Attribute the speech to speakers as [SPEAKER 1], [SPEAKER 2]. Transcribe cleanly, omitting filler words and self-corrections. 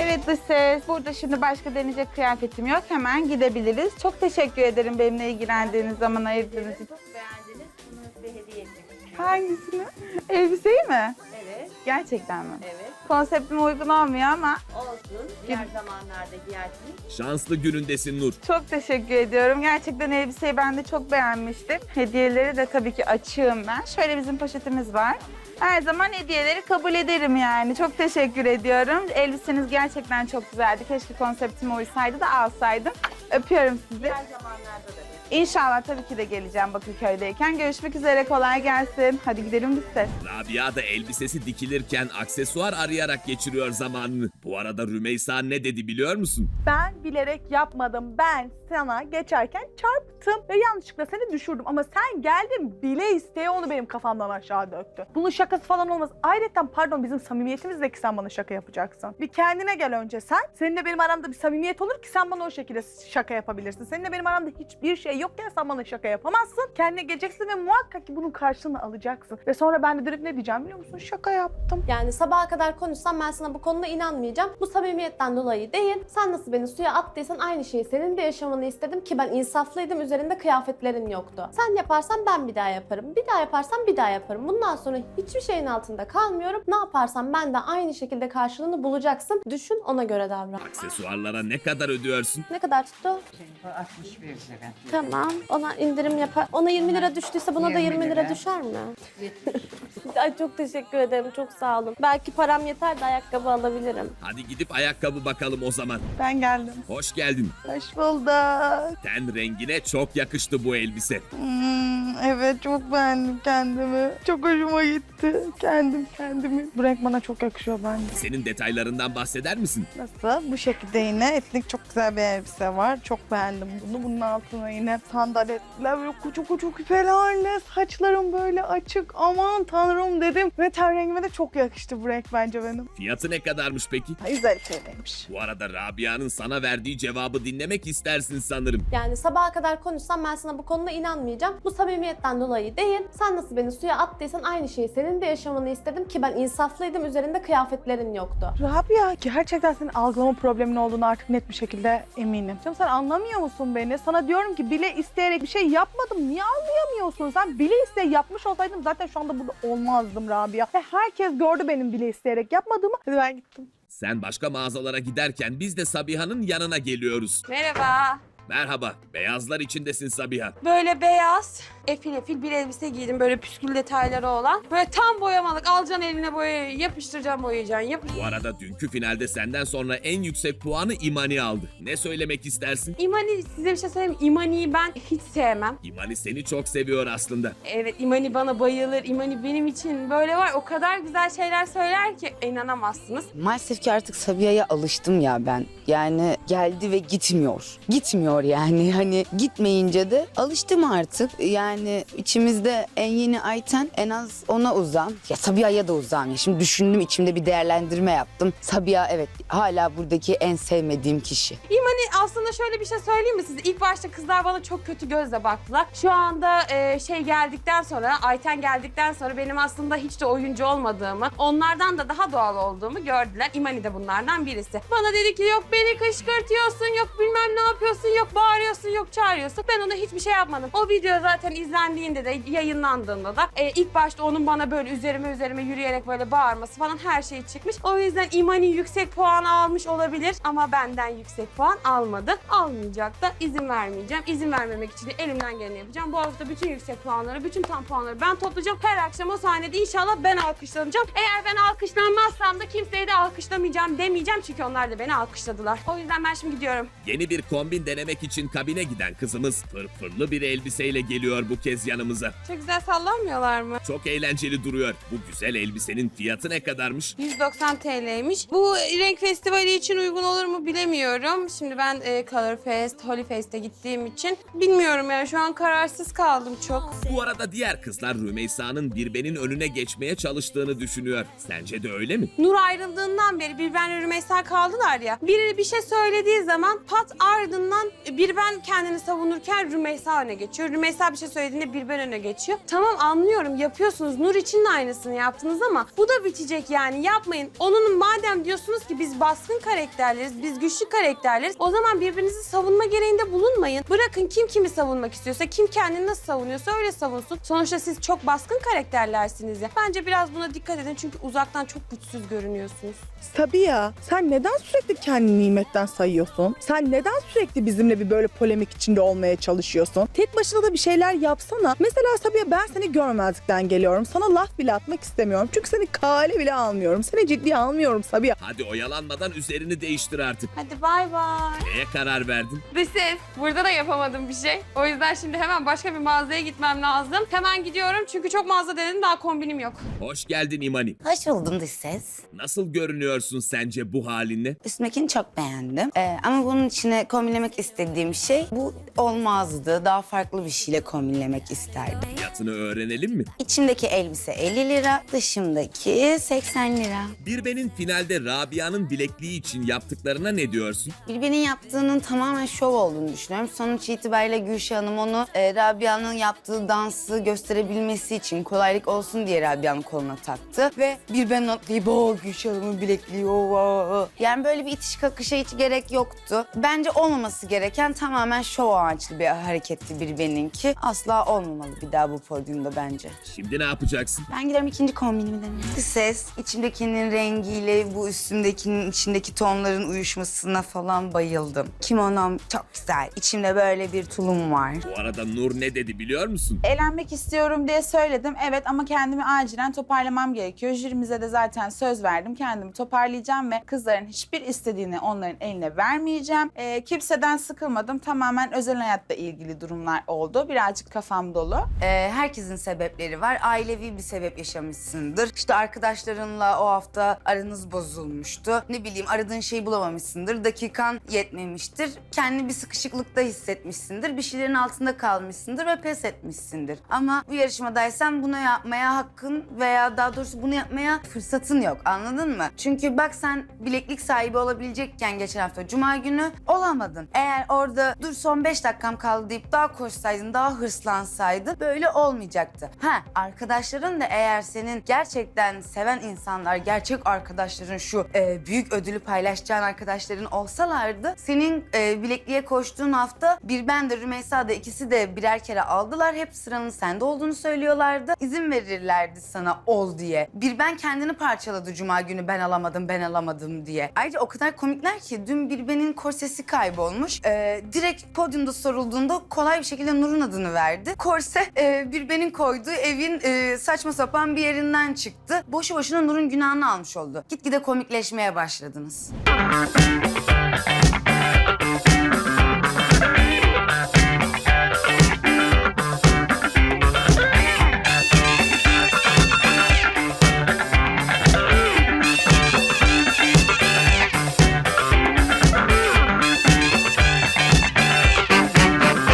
[SPEAKER 1] Evet dış ses. Burada şimdi başka deneyecek kıyafetim yok. Hemen gidebiliriz. Çok teşekkür ederim benimle ilgilendiğiniz zaman ayırdığınız için.
[SPEAKER 2] Çok beğendiniz. Bunu size hediye etmek istiyorum.
[SPEAKER 1] Hangisini? Elbiseyi mi?
[SPEAKER 2] Evet,
[SPEAKER 1] Gerçekten mi?
[SPEAKER 2] evet.
[SPEAKER 1] Konseptime uygun olmuyor ama
[SPEAKER 2] Olsun. Diğer zamanlarda giyersiniz.
[SPEAKER 3] Şanslı günündesin Nur.
[SPEAKER 1] çok teşekkür ediyorum. Gerçekten elbiseyi ben de çok beğenmiştim. Hediyeleri de tabii ki açığım ben. Şöyle bizim poşetimiz var. Her zaman hediyeleri kabul ederim yani. Çok teşekkür ediyorum. Elbiseniz gerçekten çok güzeldi. Keşke konseptime uysaydı da alsaydım. Öpüyorum sizi.
[SPEAKER 2] Diğer zamanlarda da.
[SPEAKER 1] İnşallah tabii ki de geleceğim Bakırköy'deyken. Görüşmek üzere. Kolay gelsin. Hadi gidelim biz de.
[SPEAKER 3] Rabia da elbisesi dikilirken aksesuar arayarak geçiriyor zamanını. Bu arada Rümeysa ne dedi biliyor musun?
[SPEAKER 4] Ben bilerek yapmadım. Ben sana geçerken çarptım ve yanlışlıkla seni düşürdüm. Ama sen geldin bile isteye onu benim kafamdan aşağı döktü. Bunun şakası falan olmaz. Ayrıca pardon bizim samimiyetimizdeki sen bana şaka yapacaksın. Bir kendine gel önce sen. Seninle benim aramda bir samimiyet olur ki sen bana o şekilde şaka yapabilirsin. Seninle benim aramda hiçbir şey yokken sen bana şaka yapamazsın. Kendine geleceksin ve muhakkak ki bunun karşılığını alacaksın. Ve sonra ben de dönüp ne diyeceğim biliyor musun? Şaka yaptım.
[SPEAKER 5] Yani sabaha kadar konuşsam ben sana bu konuda inanmayacağım. Bu samimiyetten dolayı değil. Sen nasıl beni suya attıysan aynı şeyi senin de yaşamanı istedim ki ben insaflıydım. Üzerinde kıyafetlerin yoktu. Sen yaparsan ben bir daha yaparım. Bir daha yaparsan bir daha yaparım. Bundan sonra hiçbir şeyin altında kalmıyorum. Ne yaparsam ben de aynı şekilde karşılığını bulacaksın. Düşün, ona göre davran.
[SPEAKER 3] Aksesuarlara ne kadar ödüyorsun?
[SPEAKER 5] Ne kadar tuttu?
[SPEAKER 6] 61 lira.
[SPEAKER 5] Tamam. Ona indirim yapar. Ona 20 lira düştüyse buna da
[SPEAKER 6] 20
[SPEAKER 5] 20 lira
[SPEAKER 6] lira.
[SPEAKER 5] düşer mi? Ay çok teşekkür ederim. Çok sağ olun. Belki param yeter de ayakkabı alabilirim.
[SPEAKER 3] Hadi gidip ayakkabı bakalım o zaman.
[SPEAKER 1] Ben geldim.
[SPEAKER 3] Hoş geldin.
[SPEAKER 1] Hoş bulduk.
[SPEAKER 3] Ten rengine çok yakıştı bu elbise.
[SPEAKER 1] Evet çok beğendim kendimi. Çok hoşuma gitti. Kendimi. Bu renk bana çok yakışıyor bence.
[SPEAKER 3] Senin detaylarından bahseder misin?
[SPEAKER 1] Nasıl? Bu şekilde yine etnik çok güzel bir elbise var. Çok beğendim bunu. Bunun altına yine sandaletler böyle koca koca küpelerle saçlarım böyle açık. Aman tanrım dedim. Ve ten rengime de çok yakıştı bu renk bence benim.
[SPEAKER 3] Fiyatı ne kadarmış peki?
[SPEAKER 1] 150 TL'ymiş.
[SPEAKER 3] Bu arada Rabia'nın sana verdiği cevabı dinlemek istersin sanırım.
[SPEAKER 5] Yani sabaha kadar konuşsam ben sana bu konuda inanmayacağım. Bu samimiyetten dolayı değil. Sen nasıl beni suya attıysan aynı şeyi senin de yaşamanı istedim ki ben insaflıydım. Üzerinde kıyafetlerin yoktu.
[SPEAKER 4] Rabia, gerçekten senin algılama problemin olduğunu artık net bir şekilde eminim. Canım sen anlamıyor musun beni? Sana diyorum ki bile isteyerek bir şey yapmadım. Niye anlayamıyorsun? Sen bile isteyerek yapmış olsaydım zaten şu anda burada olmazdım Rabia. Ve herkes gördü benim bile isteyerek yapmadığımı. Hadi ben gittim.
[SPEAKER 3] Sen başka mağazalara giderken biz de Sabiha'nın yanına geliyoruz.
[SPEAKER 7] Merhaba.
[SPEAKER 3] Merhaba, beyazlar içindesin Sabiha.
[SPEAKER 7] Böyle beyaz, efil bir elbise giydim. Böyle püskül detayları olan. Böyle tam boyamalık. Alacaksın eline boyayı, yapıştıracaksın, boyayacaksın.
[SPEAKER 3] Bu arada dünkü finalde senden sonra en yüksek puanı İmani aldı. Ne söylemek istersin?
[SPEAKER 7] İmani, size bir şey söyleyeyim mi? İmani'yi ben hiç sevmem.
[SPEAKER 3] İmani seni çok seviyor aslında.
[SPEAKER 7] Evet, İmani bana bayılır. İmani benim için böyle var. O kadar güzel şeyler söyler ki inanamazsınız.
[SPEAKER 6] Maalesef ki artık Sabiha'ya alıştım ya ben. Yani geldi ve gitmiyor. Gitmiyor yani. Hani gitmeyince de alıştım artık. Yani içimizde en yeni Ayten, en az ona uzağım. Ya Sabiha'ya da uzağım ya. Şimdi düşündüm, içimde bir değerlendirme yaptım. Sabiha evet hala buradaki en sevmediğim kişi.
[SPEAKER 7] İmani aslında şöyle bir şey söyleyeyim mi size? İlk başta kızlar bana çok kötü gözle baktılar. Şu anda geldikten sonra, Ayten geldikten sonra benim aslında hiç de oyuncu olmadığımı, onlardan da daha doğal olduğumu gördüler. İmani de bunlardan birisi. Bana dedi ki yok beni kışkırtıyorsun, yok bilmem ne yapıyorsun, yok bağırıyorsun, yok çağırıyorsun. Ben ona hiçbir şey yapmadım. O video zaten izlendiğinde de, yayınlandığında da ilk başta onun bana böyle üzerime yürüyerek böyle bağırması falan her şey çıkmış. O yüzden İmani yüksek puan almış olabilir ama benden yüksek puan almadı. Almayacak da izin vermeyeceğim. İzin vermemek için de elimden geleni yapacağım. Bu hafta bütün yüksek puanları, bütün tam puanları ben toplayacağım. Her akşam o sahnede inşallah ben alkışlanacağım. Eğer ben alkışlanmazsam da kimseye de alkışlamayacağım demeyeceğim çünkü onlar da beni alkışladılar. O yüzden ben şimdi gidiyorum.
[SPEAKER 3] Yeni bir kombin denemek için kabine giden kızımız fırfırlı bir elbiseyle geliyor bu kez yanımıza.
[SPEAKER 7] Çok güzel sallanmıyorlar mı?
[SPEAKER 3] Çok eğlenceli duruyor. Bu güzel elbisenin fiyatı ne kadarmış?
[SPEAKER 7] 190 TL'ymiş. Bu renk festivali için uygun olur mu bilemiyorum. Şimdi ben Color Fest, Holy Fest'e gittiğim için bilmiyorum yani şu an kararsız kaldım çok.
[SPEAKER 3] Bu arada diğer kızlar Rümeysa'nın Birben'in önüne geçmeye çalıştığını düşünüyor. Sence de öyle mi?
[SPEAKER 7] Nur ayrıldığından beri bir ben Rümeysa kaldılar ya. Biri bir şey söylediği zaman pat ardından bir ben kendini savunurken Rümeysa öne geçiyor. Rümeysa bir şey söylediğinde bir ben öne geçiyor. Tamam anlıyorum yapıyorsunuz. Nur için de aynısını yaptınız ama bu da bitecek yani yapmayın. Onun madem diyorsunuz ki biz baskın karakterleriz, biz güçlü karakterleriz. O zaman birbirinizi savunma gereğinde bulunmayın. Bırakın kim kimi savunmak istiyorsa, kim kendini nasıl savunuyorsa öyle savunsun. Sonuçta siz çok baskın karakterlersiniz ya. Bence biraz buna dikkat edin çünkü uzaktan çok güçsüz görünüyorsunuz.
[SPEAKER 4] Sabiha, sen neden sürekli kendini nimetten sayıyorsun? Sen neden sürekli bizimle bir böyle polemik içinde olmaya çalışıyorsun? Tek başına da bir şeyler yapsana. Mesela Sabiha, ben seni görmezlikten geliyorum. Sana laf bile atmak istemiyorum. Çünkü seni kale bile almıyorum. Seni ciddiye almıyorum Sabiha.
[SPEAKER 3] Hadi oyalanmadan üzerini değiştir artık.
[SPEAKER 7] Hadi bay bay.
[SPEAKER 3] Neye karar verdin?
[SPEAKER 7] Ve ses, burada da yapamadım bir şey. O yüzden şimdi hemen başka bir mağazaya gitmem lazım. Hemen gidiyorum çünkü çok mağaza denedim daha kombinim yok.
[SPEAKER 3] Hoş geldin İmani.
[SPEAKER 6] Hoş buldum dış ses.
[SPEAKER 3] Nasıl görünüyorsun sence bu halinle?
[SPEAKER 6] Üstümdekini çok beğendim. Ama bunun içine kombinlemek istediğim şey bu olmazdı. Daha farklı bir şeyle kombinlemek isterdim.
[SPEAKER 3] Fiyatını öğrenelim mi?
[SPEAKER 6] İçimdeki elbise 50 lira, dışımdaki 80 lira.
[SPEAKER 3] Birben'in finalde Rabia'nın bilekliği için yaptıklarına ne diyorsun?
[SPEAKER 6] Bilbe'nin yaptığının tamamen şov olduğunu düşünüyorum. Sonuç itibariyle Gülşah Hanım onu Rabia'nın yaptığı dansı gösterebilmesi için kolaylık olsun diye Rabia'nın koluna taktı. Ve Bilbe'nin atlayıp o Gülşah Hanım'ın bilekliği o. Yani böyle bir itiş kakışa hiç gerek yoktu. Bence olmaması gereken tamamen şov amaçlı bir hareketti Bilbe'ninki. Asla olmamalı bir daha bu podyumda bence.
[SPEAKER 3] Şimdi ne yapacaksın?
[SPEAKER 6] Ben giderim ikinci kombinimi deneyim. Ses, içimdekinin rengiyle bu üstümdekinin içindeki tonların uyuşmasına falan bayıldım. Kimonom çok güzel. İçimde böyle bir tulum var.
[SPEAKER 3] Bu arada Nur ne dedi biliyor musun?
[SPEAKER 1] Eğlenmek istiyorum diye söyledim. Evet ama kendimi acilen toparlamam gerekiyor. Jürimize de zaten söz verdim. Kendimi toparlayacağım ve kızların hiçbir istediğini onların eline vermeyeceğim. Kimseden sıkılmadım. Tamamen özel hayatla ilgili durumlar oldu. Birazcık kafam dolu.
[SPEAKER 6] Herkesin sebepleri var. Ailevi bir sebep yaşamışsındır. İşte arkadaşlarınla o hafta aranız bozulmuştu. Ne bileyim aradığın şeyi bulamamışsındır. Dakikan yetmemiştir. Kendini bir sıkışıklıkta hissetmişsindir. Bir şeylerin altında kalmışsındır ve pes etmişsindir. Ama bu yarışmadaysan bunu yapmaya hakkın veya daha doğrusu bunu yapmaya fırsatın yok. Anladın mı? Çünkü bak sen bileklik sahibi olabilecekken geçen hafta Cuma günü olamadın. Eğer orada dur son 5 dakikam kaldı deyip daha koşsaydın, daha hırslansaydın böyle olmayacaktı. Arkadaşların da eğer senin gerçekten seven insanlar, gerçek arkadaşların, şu büyük ödülü paylaşacağın arkadaşların olsalardı senin bilekliğe koştuğun hafta bir ben de Rümeysa da ikisi de birer kere aldılar. Hep sıranın sende olduğunu söylüyorlardı. İzin verirlerdi sana ol diye. Bir ben kendini parçaladı Cuma günü ben alamadım diye. Ayrıca o kadar komikler ki dün bir benin korsesi kaybolmuş. Direkt podyumda sorulduğunda kolay bir şekilde Nur'un adını verdi. Korse bir benin koyduğu evin saçma sapan bir yerinden çıktı. Boşu boşuna Nur'un günahını almış oldu. Gitgide komikleşmeye başladınız.